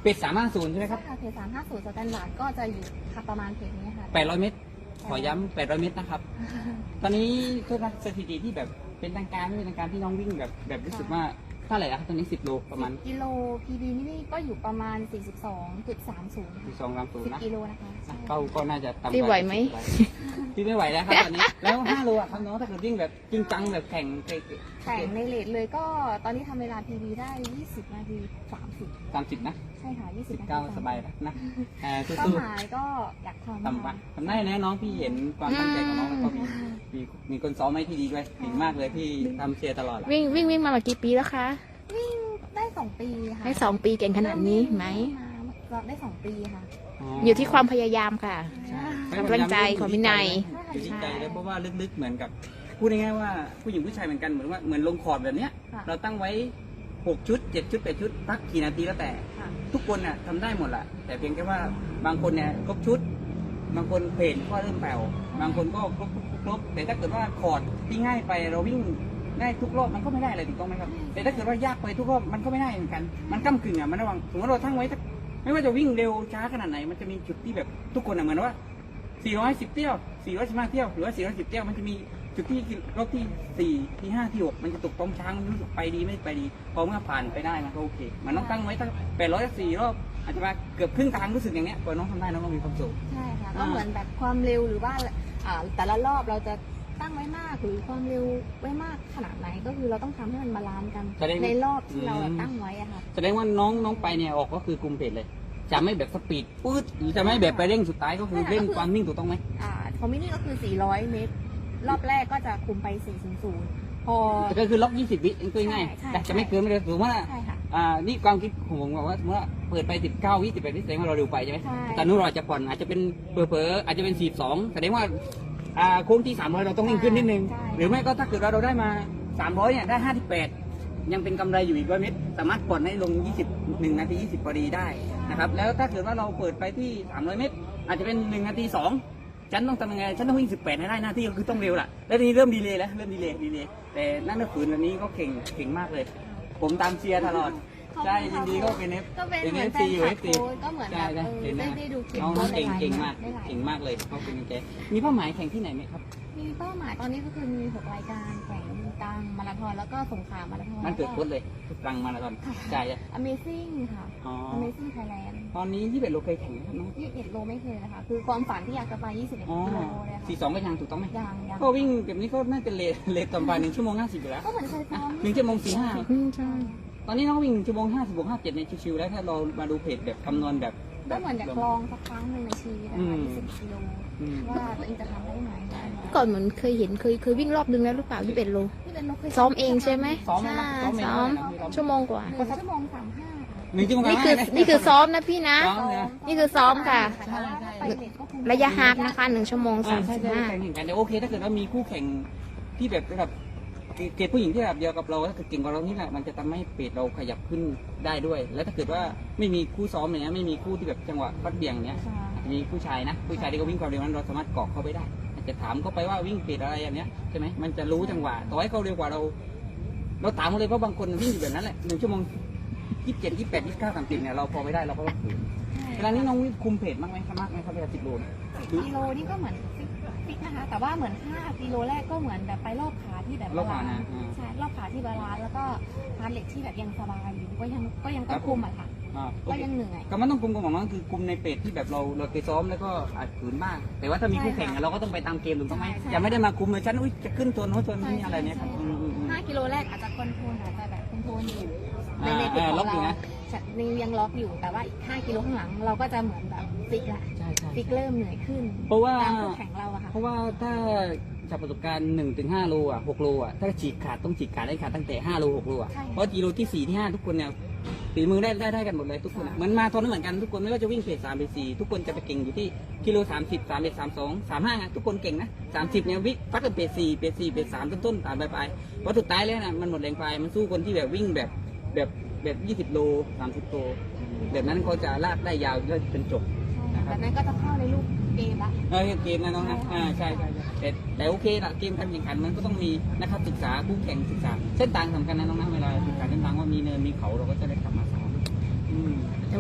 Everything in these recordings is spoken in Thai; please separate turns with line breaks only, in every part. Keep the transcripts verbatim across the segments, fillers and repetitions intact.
เป็ดสามห้าศูนย์ใช่ไหมครับ
ใช่ค่ะเพจสามห้าศูนย์สแตนดาร์ดก็จะอยู่ประมาณเพจนี้ค่ะ
แปดร้อยเมตรขอย้ำแปดร้อยเมตรนะครับ ตอนนี้โทษนะสถิติที่แบบเป็นทางการไม่เป็นทางการที่น้องวิ่งแบบแบบรู้สึกว่าเท่าไหร่อะครับตอนนี้สิบโลประมาณ
กิโล พี บี นี่ก็อยู่ประมาณ สี่สิบสองจุดสามศูนย์
สิบสองสามศูน
สิ
ย์
บ
นะ
กิโลนะคะใช่
ก็ก็น่าจะต่ำกว่า
พี่ไหวไหม
พี่ไม่ไหวแล้วครับตอนนี้แล้วห้าโลอะครับน้องถ้าเกิดวิ่งแบบจริงจังแบบแข่งเ
แข่งในเลทเลยก็ตอนนี้ทำเวลา พี บี ได้ ยี่สิบนาทีสามสิบ
สามสิบนะ
ใช่ค่ะ ยี่สิบ
สิบ
นาที
เก้าสบายแล้วนะเออ
เป้า
สู้
หมายก็อยากทำ
ๆทำไปทำได้นะน้องพี่เห็นความตั้งใจของน้องแล้วก็มีมีมีคนซ้อมให้ที่ดีด้วยเก่งมากเลยพี่ทำเชียร์ตลอด
วิ่งวิ่งวิ่งมากี่ปีแล้วคะ
วิ่งได้สองปีค่ะ
ได้สองปีเก่งขนาดนี้ไหม
เราได้สองปีค่ะ
อยู่ที่ความพยายามค่ะ
ใช่
กำลังใจของวินัย
อยู่ที่ใจเลยเพราะว่าลึกๆเหมือนกับพูดง่ายๆว่าผู้หญิงผู้ชายเหมือนกันเหมือนว่าเหมือนลงคอร์ดแบบเนี้ย
ค่ะ
เราตั้งไว้หกชุดเจ็ดชุดแปดชุดพักกี่นาทีแล้วแต่
ค่ะ
ทุกคนน่ะทำได้หมดแหละแต่เพียงแค่ว่าบางคนเนี่ยครบชุด บางคนเพลนก็เริ่มแผ่วบางคนก็ครบครบครบแต่ถ้าเกิดว่าคอร์ดที่ง่ายไปเราวิ่งง่ายทุกรอบมันก็ไม่ได้อะไรถูกต้องไหมครับแต่ถ้าเกิดว่ายากไปทุกรอบมันก็ไม่ได้เหมือนกันมันก้ากึ่งอ่ะมันระหว่างสมมติเราทั้งไว้ไม่ว่าจะวิ่งเร็วช้าขนาดไหนมันจะมีจุดที่แบบทุกคนอ่ะเหมือนว่าสี่ร้อยสิบเที่ยวสี่ร้อยสิบห้าเที่ยวหรือว่าสี่ร้อยสิบเที่ยวมันจะมีจุดที่รอบที่สี่ที่ห้าที่หกมันจะตกตรงช้างมันรู้สึกไปดีไม่ไปดีพอเมื่อผ่านไปได้มันก็โอเคมันต้องตั้งไว้ตั้งแปดร้อยสี่รอบอาจจะมาเกือบครึ่งทางรู้สึกอย่างเนี้ยพอน้องทำได้น้องก็มีความสุข
ใช่ค่ะ
อ่า
ก็เหมือนแบบความเร็วหรือว่าอ่าแต่ละรอบเราจะตั้งไว้มากหรือความเร็วไว้มากขนาดไหนก็คือเราต้องทำให้มันบาลานซ์กัน
แสดง
ในรอบที่เรา
อืม
ตั้งไว้อะค่ะ
แสดงว่าน้องน้องไปเนี่ยออกก็คือกลุ่มเพจเลย จะไม่แบบสปีดปื๊ดหรือจะไม่แบบไปเร่งสุดท้ายก็คือเร่งความนิ่งถูกต้องไหม
อ่าคอมมินี่ก็คือสี่ร้อยเมตร รอบแรกก็จะคุมไปสี่ศูนย์ศูนย์พอ
แต่ก็คือล็อกยี่สิบวิเองก็ง่าย
ใช่ใช่
แต่จะไม่เกินไม่เลยถือว่า
ใช่ค่ะ
อ่านี่ความคิดของผมบอกว่าสมมติว่าเปิดไปสิบเก้าวิสิบแปดวิแสดงว่าเราเร็วไปใช่ไหม
ใช่
แต่นู้นเราอาจจะผ่อนอาจจะเป็นเผลอๆอาจจะเป็นสี่สองแสดงว่าอ่าโค้งที่สามร้อยเราต้องนิ่งขึ้นนิดนึง
ใช่
หรือไม่ก็ถ้าเกิดว่าเราได้มาสามร้อยเนี่ยได้ห้าสิบแปดยังเป็นกำไรอยู่อีกร้อยเมตรสามารถผ่อนให้ลงยี่สิบ หนึ่งนาทียี่สิบพอดีได้นะครับแล้วถ้าเกิดว่าเราเปิดไปที่สามร้อยเมตร อาจจะเป็นหนึ่งนาทีสองฉันต้องทำยังไงฉันต้องวิ่งสิบแปดให้ได้หน้าที่ก็คือต้องเร็วล่ะแล้วทีนี้เริ่มดีเลยแล้วเริ่มดีเลยดีเลยแต่นั่นก็ฝืนวันนี้ก็เก่งเก่งมากเลย ผมตามเชียร์ตลอดใช่ยินดีก็เป็นเอฟ
ก็เป็น
เป็น
เหมื
เอ
อน
ฟ
แฟ
ซี
น
อยู่
ค
เอ
ลับ
ฟซี
โค้ชก็เหมือนแบ
ใช่
บ
ใช่
เออ
เห็น
ได้
นะ
ได้ดูคลิป
น้อง
โค้ช
เก่ง
หลายๆ
เก่งมาก
ได้หลาย
เก่งมากเลยเขาเป็นแกมีเป้าหมายแข่งที่ไหนไหมครับ
มีเป้าหมายตอนนี้ก็คือมีหกรายการแข่งกลางมาราธอนแล้วก็สงขลามาราธอน
มันเกิดโค้ชเลยกลางมาราธอนใช่ใช่
Amazing ค่ะ
อ๋อ
Amazing Thailand
ตอนนี้ที่เป็นโลเคยแข่งนะครับน้อง
ยี่สิบเอ็ดโลไม่เคยนะคะ คือความฝันที่อยากจะไปยี่สิบเอ็ด
อ๋อ
กิโลเลยค่ะ
สี่สองก็ยังถูกต้องไหม
ยังยัง
ก็วิ่งแบบนี้ก็น่าจะเลทเลทต่ำไปหนึ่งชั่วโมงห้าสิบอยู่แล้ว
ก็เหมือนเคยซ้อม
หนึ่งชั่วโมงสี่ห้า
อืมใช่
ตอนนี้น้องวิ่งชั่วโมงห้าสิบวกห้าเจ็ดในชิวๆแล้วถ้าเรามาดูเพจแบบคำนวณแบบแบ
ก็
บ
เหมือนอยากลองสักครั้งหนึ่งในชีวิตนะคะยี่สิบกิโล
อืม
ว่าตัวเองจะทำได้ไหม
ก่อนเหมือนเคยเห็นเคยเคยวิ่งรอบนึงแล้วหรือเปล่าที่เป็นโล
ที่เป็นนกเคย
ซ้อมเองใช่ไหม
ซ้อมไหม
ใช่
นะซ้อมเอง
ซ้อม
ไหมนะ
ชั่วโมงกว่า
หนึ่งชั่วโมงสามห้า
หนึ่งชั่วโมง
นี่คือ
ห้าะ
นี่คือซ้อมนะพี่นะ
ซ้อมเนี่ย
นี่คือซ้อมค่ะ
แต่ว่าถ้าไปเด็กก็คง
ระยะฮาล์ฟนะคะหนึ่งชั่วโมง
อ่า
สาม
ใช่
สิบ
ใช่
ห้า
แข่งกันแต่โอเคถ้าเกิดว่ามีคู่แข่งที่แบบระดับเกรดผู้หญิงที่ระดับเดียวกับเราถ้าเกิดเก่งกว่าเรานี่แหละมันจะทำให้เพจเราขยับขึ้นได้ด้วย แล้วถ้าเกิดว่าไม่มีคู่ซ้อมอย่างเงี้ยไม่มีคู่ที่แบบจังหวะฟัดเบี่ยงเนี้ย
ใช่
อาจจะมีผู้ชายนะผู้ชายที่เขาวิ่งความเร็วนั้นเราสามารถเกาะเข้าไปได้อาจจะถามเขาไปว่าวิ่งเพจอะไรอย่างเนี้ยใช่ไหมมันจะรู้จังหวะต่อให้เขาเร็วกว่าเรา เราถามเขาเลยเพราะบางคนวิ่งอยู่แบบนั้นแหละหนึ่งชั่วโมงยี่สิบเจ็ดยี่สิบแปดยี่สิบเก้าสามสิบเนี่ยเราพอไม่ได้เราก็ต้องฝืนเวลานี้น้องวิ่งคุมเพจมากไหมมากไหมครับเวลาสิบโลเนี่ย
สิบกิโลนี่ก็เหมือนฟิกฟิกนะคะ แต่ว่าเหมือนห้ากิโลแรกก็เหมือนแบบไปรอบขาที่แบบ
รอบขานะอ่า
ใช่รอบขาที่บาลานซ์แล้วก็ฮาร์ดเรทที่แบบยังสบายอยู่ก็ยังก็ยังต้องคุมอะค่ะ
อ่าโอ
ก็
เค
ยังเหนื่อย
ก็มันต้องคุมของน้องคือคุมในเพจที่แบบเราเราเคยซ้อมแล้วก็อาจฝืนบ้างแต่ว่าถ้ามีคู่แข่งอะเราก็ต้องไปตามเกมถูกต้องไหม
ใช่
อย่าไม่ได้มาคุมเลยฉันอุ้ยจะขึ้นตัวโน้นตัวนี้อะไรเนี่ยครับ
ใช่
อืมอืมอืม
ห้ากิโลแรกอาจจะคอนโทรลอาจจะแบบคอนโทรลอยู่ใน
อ่า
ในจุด
อ่า
ข
ล็
อ
อก
ง
อยู่
เรา
นะ
นี่ยังล็อกอยู่แต่ว่าอีกห้ากิโลข้างหลังเราก็จะเหมือนแบบฟิกละ
ใช่ใช่
ฟิกเริ่มเหนื่อยขึ้น
เพราะว่า
ตามคู่แข่งเราอะค่ะ
เพราะว่าถ้าจากประสบการณ์หนึ่งถึงห้าโลอ่ะหกโลอ่ะถ้าฉีกขาดต้องฉีกขาดได้ขาดตั้งแต่ห้าโลหกโลอ่ะ
ใช่
เพราะกิโลที่สี่ที่ห้าทุกคนเนี่ยฝีมือได้ได้ได้กันหมดเลยทุกคนอะเหมือนมาทอนเหมือนกันทุกคนไม่ว่าจะวิ่งเพจสามเพจสี่ทุกคนจะไปเก่งอยู่ที่กิโลสามสิบสามเอ็ดสามสองสามห้าทุกคนเก่งนะสามสิบเนี่ยวิ่งฟัดกับเพจสี่เพจสี่เพจสามต้นๆตามไปไปเพราะสุดท้ายแล้วนะมันหมดแรงไปมันสู้คนที่แบบวิ่งแบบแบบแบบยี่สิบโลสามสิบโลแบบนั้นเขาจะลากได้ยาวแล้วเป็นจบ
แบบนั้นก็จะเข้าในลูกเกมละ
เออเกมนะน้องนะอ่าใช่ใช่ใช่แต่แต่โอเคละเกมการแข่งขันมันก็ต้องมีนะครับศึกษาผู้แข่งศึกษาเส้นทางสำคัญนะน้องนะเวลาศึกษาเส้นทางว่ามีเนินมีเขาเราก็จะได้กลับมาซ้อมอืม
แต่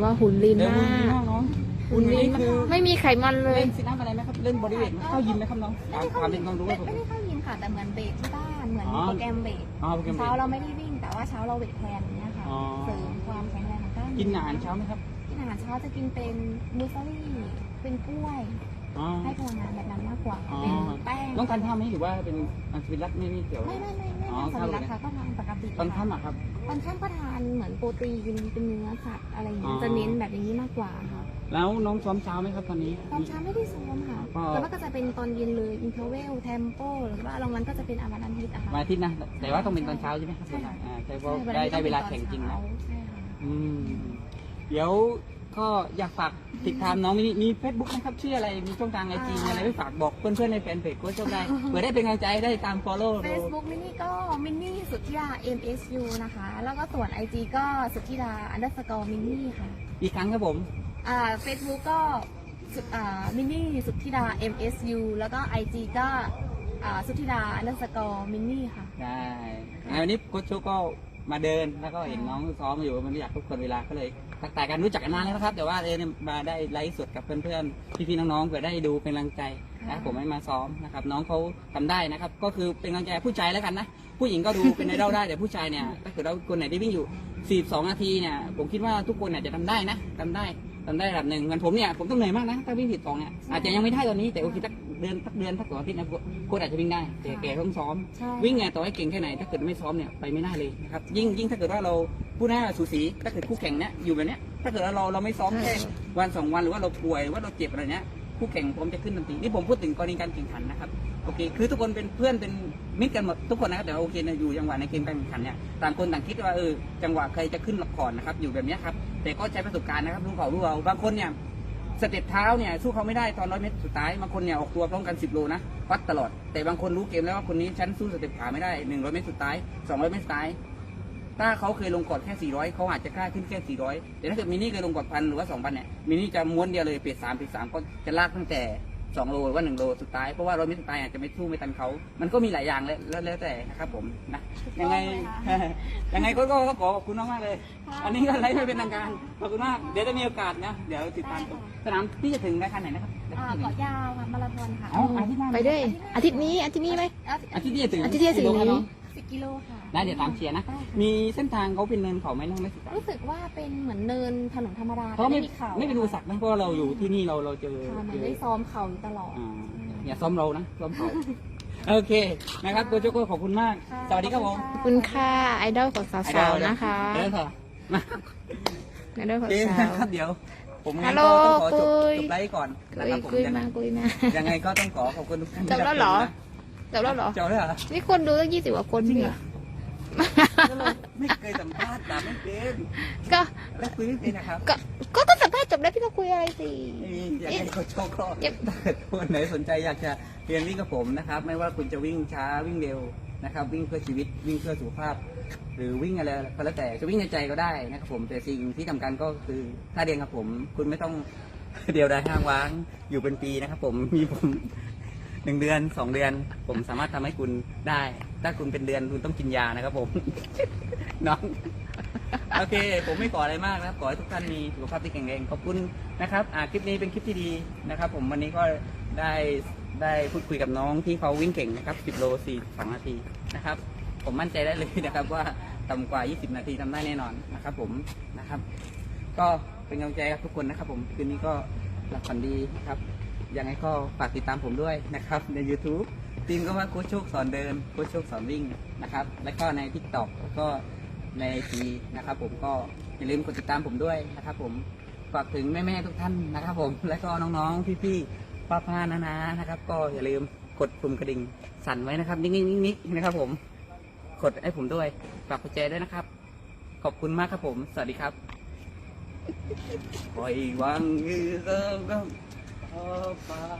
ว่าหุ่นลีน
เดิน
มา
หุ่นดี
ก
มากน้อง
หุ่นลีน
คือ
ไม่มีไขมันเลย
เล่นซิทอัพอะไรไหมครับเล่นบอดี้เวทเข้ายิมไหมครับน้อง
ไม่ได้
ความเป็นความรู้
ไม่
ครับผม
ไม่ได้เข้ายิมค่ะ แต่เหมือนเบรกที่บ้านเหมือน
อ๋อ
โปรแกรมเบรก
อ๋อโปรแกรมเบรก
เช้าเราไม่ได้วิ่ง แต่ว่าเช้าเราเวทแทนอย่างเงี้ยค่ะ
อ๋อ
เสริมความแข็งแรงของกล้ามเนื้อ
กินอาหารเช้าไหมครับ
กินอาหารเช้าจะกินเป็นมูสลี่เป็นกล้วย
อ๋อ
ให้พลังงานแบบนั้นมากกว่า
อ๋อ
เป็นแป้ง
ต้องการท่าไหมหรือว่าเป็นอันสวิรัตไม่ไม่เกี่ยว
ไม่ไม่ไม่ไม่
อ๋อ
ทานสวิรัตค่ะก็ทานปกติ
ตอนค่ำอะครับ
ตอนค่ำก็ทานเหมือนโปรตีนเป็นเนื้อสัตว์อะไรอย่างเงี้ย
อ๋อ
จะเน้นแบบอย่างนี้มากกว่าค่ะ
แล้วน้องซ้อมเช้าไหมครับตอนนี้
ตอนเช้าไม่ได้ซ้อมค่ะ
ก็
แต่ว่าก็จะเป็นตอนเย็นเลยอินเทอร์เวลเทมโปหรือว่าบางวันก็จะเป็นอาวันอาทิตย์อะค่ะ
วันอาทิตย์นะ แต่ว่าต้องเป็นตอนเช้าใช่ไหมครับ
ใช่ค่ะ
อ่าใช่เพราะ
ใช่
ได้ได้
น
เว
นี้
ลา
ต้อง
แข่งจริง
ตอ
นะ
นเช้าใช่ค่ะ
อืมเดี๋ยวก็อยากฝากติดตามน้องมีมีเฟซบุ๊กนะครับชื่ออะไรมีช่องทางไอจีอะไรไม่ฝากบอกเพื่อนๆในแฟนเพจก็ช่วยได้เผื่อได้เป็นกำลังใจได้ตาม follow
เฟ
ดู
ซบุ๊กมินนี่ก็มินนี่สุทธิดา เอ็ม เอส ยู นะคะ แล้วก็ส่วน ไอ จี ก็สุทธิดา อันเดอร์สกอร์มินนี่ค่ะ
อีกครั้งครับผม
อ่าเฟซบุ๊กก็สุดอ่ามินนี่สุทธิดา เอ็ม เอส ยู แล้วก็ ไอ จี ก็อ่าสุทธิดา อันเดอร์สกอร์มินนี่ค่ะ
ได้งั้นวันนี้โค้ชโชคก็มาเดินแล้วก็เห็นน้องซ้อมอยู่มันอยากทุกคนเวลาก็เลยทักทายกันรู้จักกันนานแล้วนะครับแต่ว่าเออเนี่ยมาได้ไลฟ์สดกับเพื่อนๆพี่ๆน้องๆเผื่อได้ดูเป็นกำลังใจนะผมให้มาซ้อมนะครับน้องเขาทำได้นะครับก็คือเป็นกำลังใจผู้ชายแล้วกันนะผู้หญิงก็ดูเป็นไอดอลได้แต่ผู้ชายเนี่ยถ้าเกิดเราคนไหนได้วิ่งอยู่สี่สิบสองนาทีเนี่ยผมคิดว่าทุกคนเนี่ยจะทำได้นะทำได้ทำได้ระดับหนึ่งเหมือนผมเนี่ยผมต้องเหนื่อยมากนะถ้าวิ่งสิบสองเนี่ยอาจจะยังไม่ได้ตอนนี้แต่โอเคสักเดือนสักเดือนสักสองอาทิตย์นะโค้ชอาจจะวิ่งได้แต่แกต้องซ้อม
ใช่
วิ่งไงต่อให้เก่งแค่ไหนถ้าเกิดไม่ซ้อมเนี่ยไปไม่ได้เลยนะครับยิ่งยิ่งถ้าเกิดว่าเราผู้หน้าสูสีถ้าเกิดคู่แข่งเนี่ยอยู่แบบเนี้ยถ้าเกิดว่าเราเราไม่ซ้อมแค่วันสองวันหรือว่าเราป่วยหรือว่าเราเจ็บอะไรเนี้ยคู่แข่งพร้อมจะขึ้นทันทีนี่ผมพูดถึงกรณีการแข่งขันนะครับโอเคคือทุกคนเป็นเพื่อนเป็นมิตรกันหมดทุกคนนะครับแต่ว่าโอเคนะอยู่จังหวะในเกมการแข่งขันเนี่ยต่างคนต่างคิดว่าเออจังหวะใครจะขึ้นหลักก่อนนะครับอยู่แบบเนี้ยครับแต่ก็ใช้ประสบการณ์นะครับรู้เขารู้เราบางคนเนี่ยสเต็ปเท้าเนี่ยสู้เขาไม่ได้ตอนร้อยเมตรสุดท้ายบางคนเนี่ยออกตัวพร้อมกันสิบโลนะวัดตลอดแต่บางคนรู้เกมแล้วว่าคนนี้ฉันสู้สเต็ปขาไม่ได้หนึ่งร้อยเมตรสุดท้ายสองร้อยเมตรสุดท้ายถ้าเขาเคยลงกอดแค่สี่ร้อยเขาอาจจะกล้าขึ้นแค่สี่ร้อยแต่ถ้าเกิดมินี่เคยลงกอดพันหรือว่าสองพันเนี่ยมินี่จะม้วนเดียวเลยเปรียดสามเปรียดสามก็จะลากตั้งแต่สองโลหรือว่าหนึ่งโลสุดท้ายเพราะว่าร้อยเมตรสุดท้ายอาจจะไม่สู้ไม่ทันเขามันก็มีหลายอย่างแล้วแล้วแล้วแต่นะครับผมนะยังไง ยังไงก็ก็ก็ขอขอบคุณมากมากๆเลย อันนี้ก็ไลฟ์ไม่เป็นทางการขอบคุณมากเดี๋ยวจะมีโอกาสนะเดี๋ยวติดตามชมสนามที่จะถึงรายการไหนนะครับ
อ่าเกาะยาวค่ะมาราธอนค่ะ
อ๋ออาทิตย์หน้า
ไปด้วยอาทิตย์นี้อาทิตย์นี้ไหม
อาทิตย์ที่จะถึง
อาทิตย์ที่จะถึงนี้
สิบกิโลค่ะ
ได้เดี๋ยวตามเชียร์นะ
ได้ค่ะ
มีเส้นทางเขาเป็นเนินเขาไหมน้องไม่สิครับ
รู้สึกว่าเป็นเหมือนเนินถนนธรรมดา
เขาไม่
แต่เขา
ไม่เป็นอุปสรรคนะเพราะว่าเราอยู่ที่นี่เราเราเจอ
ค่ะเหมื
เจ
อน
อ
ได้ซ้อมเข่าอยู่ตลอด
อ่าอย่าซ้อมเรานะซ้อมเขาโอเคนะครับโกโจโก้ขอบคุณมาก
ค่ะ
สวัสดีครับผม
ขอบคุณค่ะไอดอลของสาวๆนะคะ
เดินต่อมา
ไอดอลของ
เกม
สาว
นะครับเดี๋ยว ผม
ฮั
งั้น
ลโหล
ก็ต้องขอจบ
คุย
จบไลฟ์ก่อนนะ
คุ
ค
ย
รับผม
คุย
ยังไง
มาคุยมา
ยังไงก็ต้องขอขอบคุณทุกท่าน
จบแล้วเหรอ จบแล้วเหรอ
จบแล้วเหรอ
นี่คนดูตั้งยี่สิบกว่าคน
จริง
พี่
เหรอ ไม่เคยสัมภาษณ์ถามไม่เป็น
ก็
และคุยไม่เป็นนะครับ
ก็ก็ต้องสัมภาษณ์จบแล้วพี่ต้องคุยอะไรสิ
อยากให้โค้ชโชคก็
เย็บ
ถ้าเกิดคนไหนสนใจอยากจะเรียนวิ่งกับผมนะครับ ไม่ว่าคุณจะวิ่งช้าวิ่งเร็วนะครับ วิ่งเพื่อชีวิตวิ่งเพื่อสุขภาพ หรือวิ่งอะไรก็แล้วแต่จะวิ่งในใจก็ได้นะครับผมแต่สิ่งที่สำคัญก็คือถ้าเรียนกับผม คุณไม่ต้อง เดียวดายห้างว้างอยู่เป็นปีนะครับ ผมมีผมหนึ่งเดือนสองเดือน ผมสามารถทำให้คุณได้ ถ้าคุณเป็นเดือนคุณต้องกินยานะครับผม น้องโอเค ผมไม่ขออะไรมากนะครับขอให้ทุกท่านมีสุขภาพที่แข็งแรงขอบคุณนะครับอ่าคลิปนี้เป็นคลิปที่ดีนะครับ ผมวันนี้ก็ได้ได้พูดคุยกับน้องที่เขาวิ่งเก่งนะครับสิบโลสี่สองนาทีนะครับ ผมมั่นใจได้เลยนะครับว่าต่ำกว่ายี่สิบนาทีทำได้แน่นอนนะครับ ผมนะครับ ก็เป็นกำลังใจกับทุกคนนะครับ ผมคืนนี้ก็หลับฝันดีครับยังไงก็ฝากติดตามผมด้วยนะครับใน YouTube ทีมก็ว่าโค้ชโชคสอนเดินโค้ชโชคสอนวิ่งนะครับ แล้วก็ใน TikTok แล้วก็ในไอจีนะครับ ผมก็อย่าลืมกดติดตามผมด้วยนะครับ ผมฝากถึงแม่ๆทุกท่านนะครับ ผมแล้วก็น้องๆพี่ๆป้าๆนาๆนะครับ ก็อย่าลืมกดปุ่มกระดิ่งสั่นไว้นะครับนิ่งๆๆๆนะครับ ผมกดให้ผมด้วยฝากกดแชร์ด้วยนะครับ ขอบคุณมากครับผม สวัสดีครับปล่อยวางมือเริ่มก็พอปา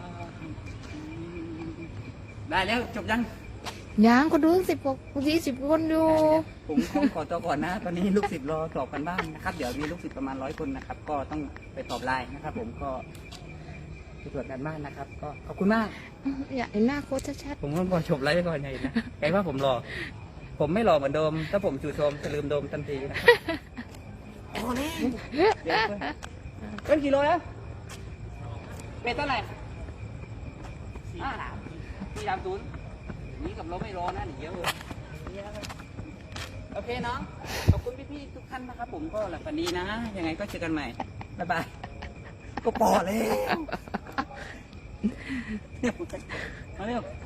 ได้แล้วจบยัง
ยังคนดูตั้งสิบกว่ายี่สิบคนอยู่
ผมต้องขอตัวก่อนนะ ตอนนี้ลูกศิษย์รอสอบกันบ้านนะครับ เดี๋ยวมีลูกศิษย์ประมาณร้อยคนนะครับ ก็ต้องไปตอบไลน์นะครับ ผมก็ไปตรวจการบ้านนะครับ ก็ขอบคุณมาก
อยากเห็นหน้าโค้ชชัด
ผมก็ขอจบไลฟ์ไปก่อนไงนะใครว่าผมรอ ผมไม่รอเหมือนเดิม ถ้าผมจู่โจมจะลืมโดมทันทีนะครับเลยเดี๋ยวเพิ่นกี่โลแล้วเป็ดเท่าไหร่อ่าสี่สามศูนย์นี่กับเราไม่รอนะเดี๋ยวเยอะเลยโอเคเนาะขอบคุณพี่ๆทุกท่านนะครับผมก็หลับฝันดีนะ ยังไงก็เจอกันใหม่บ๊ายบายก็ปอแล้วมาเร็ว